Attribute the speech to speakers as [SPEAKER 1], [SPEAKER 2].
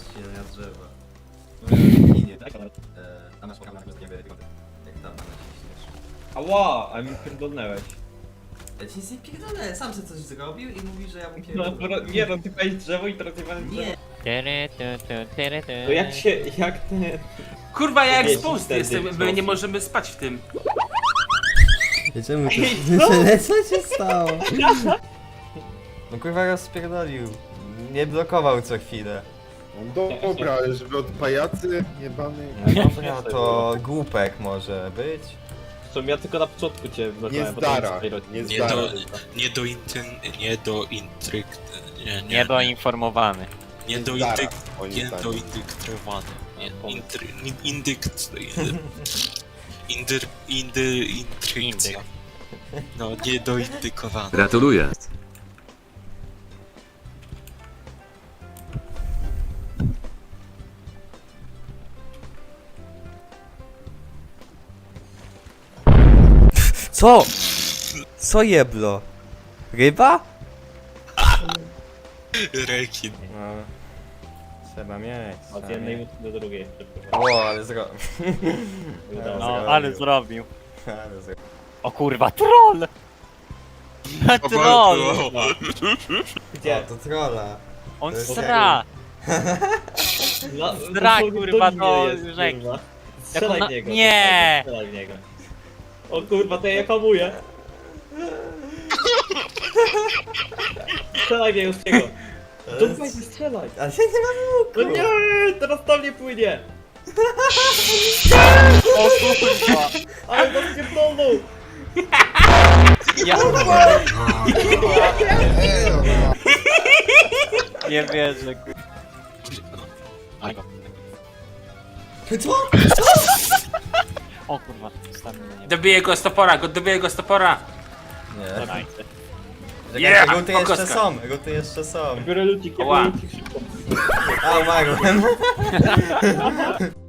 [SPEAKER 1] ścinania drzewa. Nie, tak, ale... Tam masz pokazane, że nie będzie wygląda. Jak tam na ciśniesz.
[SPEAKER 2] Ała, a mi pierdolnęłeś.
[SPEAKER 1] Ja ci nic nie pierdolę, sam sobie coś zrobił i mówi, że ja mu
[SPEAKER 2] No,
[SPEAKER 1] pierdolę.
[SPEAKER 2] nie no, ty palisz drzewo i teraz jebane drzewo.
[SPEAKER 1] Nie!
[SPEAKER 2] To jak ten...
[SPEAKER 3] Kurwa, ja
[SPEAKER 2] Wiecie,
[SPEAKER 3] exposed
[SPEAKER 2] wtedy
[SPEAKER 3] jestem, my
[SPEAKER 2] sposób.
[SPEAKER 3] nie możemy spać w tym.
[SPEAKER 1] Czemu Co się stało? No kurwa rozpierdolił. Nie blokował co chwilę.
[SPEAKER 4] No dobra, ale żeby od pajacy jebany...
[SPEAKER 1] No dobra, to głupek może być.
[SPEAKER 2] W sumie ja tylko na początku cię
[SPEAKER 4] Nie
[SPEAKER 2] blokowałem,
[SPEAKER 4] zdara, nie
[SPEAKER 5] Nie
[SPEAKER 4] zdara.
[SPEAKER 5] Niedoinformowany.
[SPEAKER 4] Nie zdara, moim zdaniem.
[SPEAKER 5] Niedoindyktowany. Intrycja. No, niedoindykowany.
[SPEAKER 6] Gratuluję.
[SPEAKER 1] Co? Co jeblo? Ryba?
[SPEAKER 5] Rekin.
[SPEAKER 1] No. Trzeba mieć.
[SPEAKER 2] Od jednej łódki do drugiej.
[SPEAKER 1] O, ale zro...
[SPEAKER 2] Udało
[SPEAKER 5] No,
[SPEAKER 2] się.
[SPEAKER 5] ale zrobił.
[SPEAKER 1] ale zro...
[SPEAKER 5] O kurwa, troll! Troll!
[SPEAKER 2] Gdzie?
[SPEAKER 1] O, to trolla.
[SPEAKER 5] On
[SPEAKER 1] To jest
[SPEAKER 5] sra!
[SPEAKER 2] No,
[SPEAKER 5] Zdra,
[SPEAKER 2] dosłownie
[SPEAKER 5] kurwa,
[SPEAKER 2] do mnie
[SPEAKER 5] do
[SPEAKER 2] jest,
[SPEAKER 5] rzeki.
[SPEAKER 2] kurwa.
[SPEAKER 5] Jak
[SPEAKER 2] Strzelaj
[SPEAKER 5] ona-
[SPEAKER 2] w niego.
[SPEAKER 5] Nie!
[SPEAKER 2] Strzelaj w niego. O kurwa, to ja hamuję. Strzelaj w niego z niego. Dupaj, strzelaj.
[SPEAKER 1] Ale ja nie mam
[SPEAKER 2] No nie, teraz tam nie płynie.
[SPEAKER 5] O kurwa!
[SPEAKER 2] Ale to pierdolnął.
[SPEAKER 5] Ja... Nie wierzę, kurwa.
[SPEAKER 1] Co?
[SPEAKER 5] O kurwa, stary mnie nie
[SPEAKER 3] Dobiję go z topora, dobiję go z topora.
[SPEAKER 1] Nie.
[SPEAKER 5] Dajcie.
[SPEAKER 3] Yeah,
[SPEAKER 1] Ruty jeszcze
[SPEAKER 3] pokoska.
[SPEAKER 1] są, ruty jeszcze są.
[SPEAKER 2] Biorę lucik,
[SPEAKER 3] Ła.
[SPEAKER 2] biorę lucik szybko.
[SPEAKER 1] A, umarłem.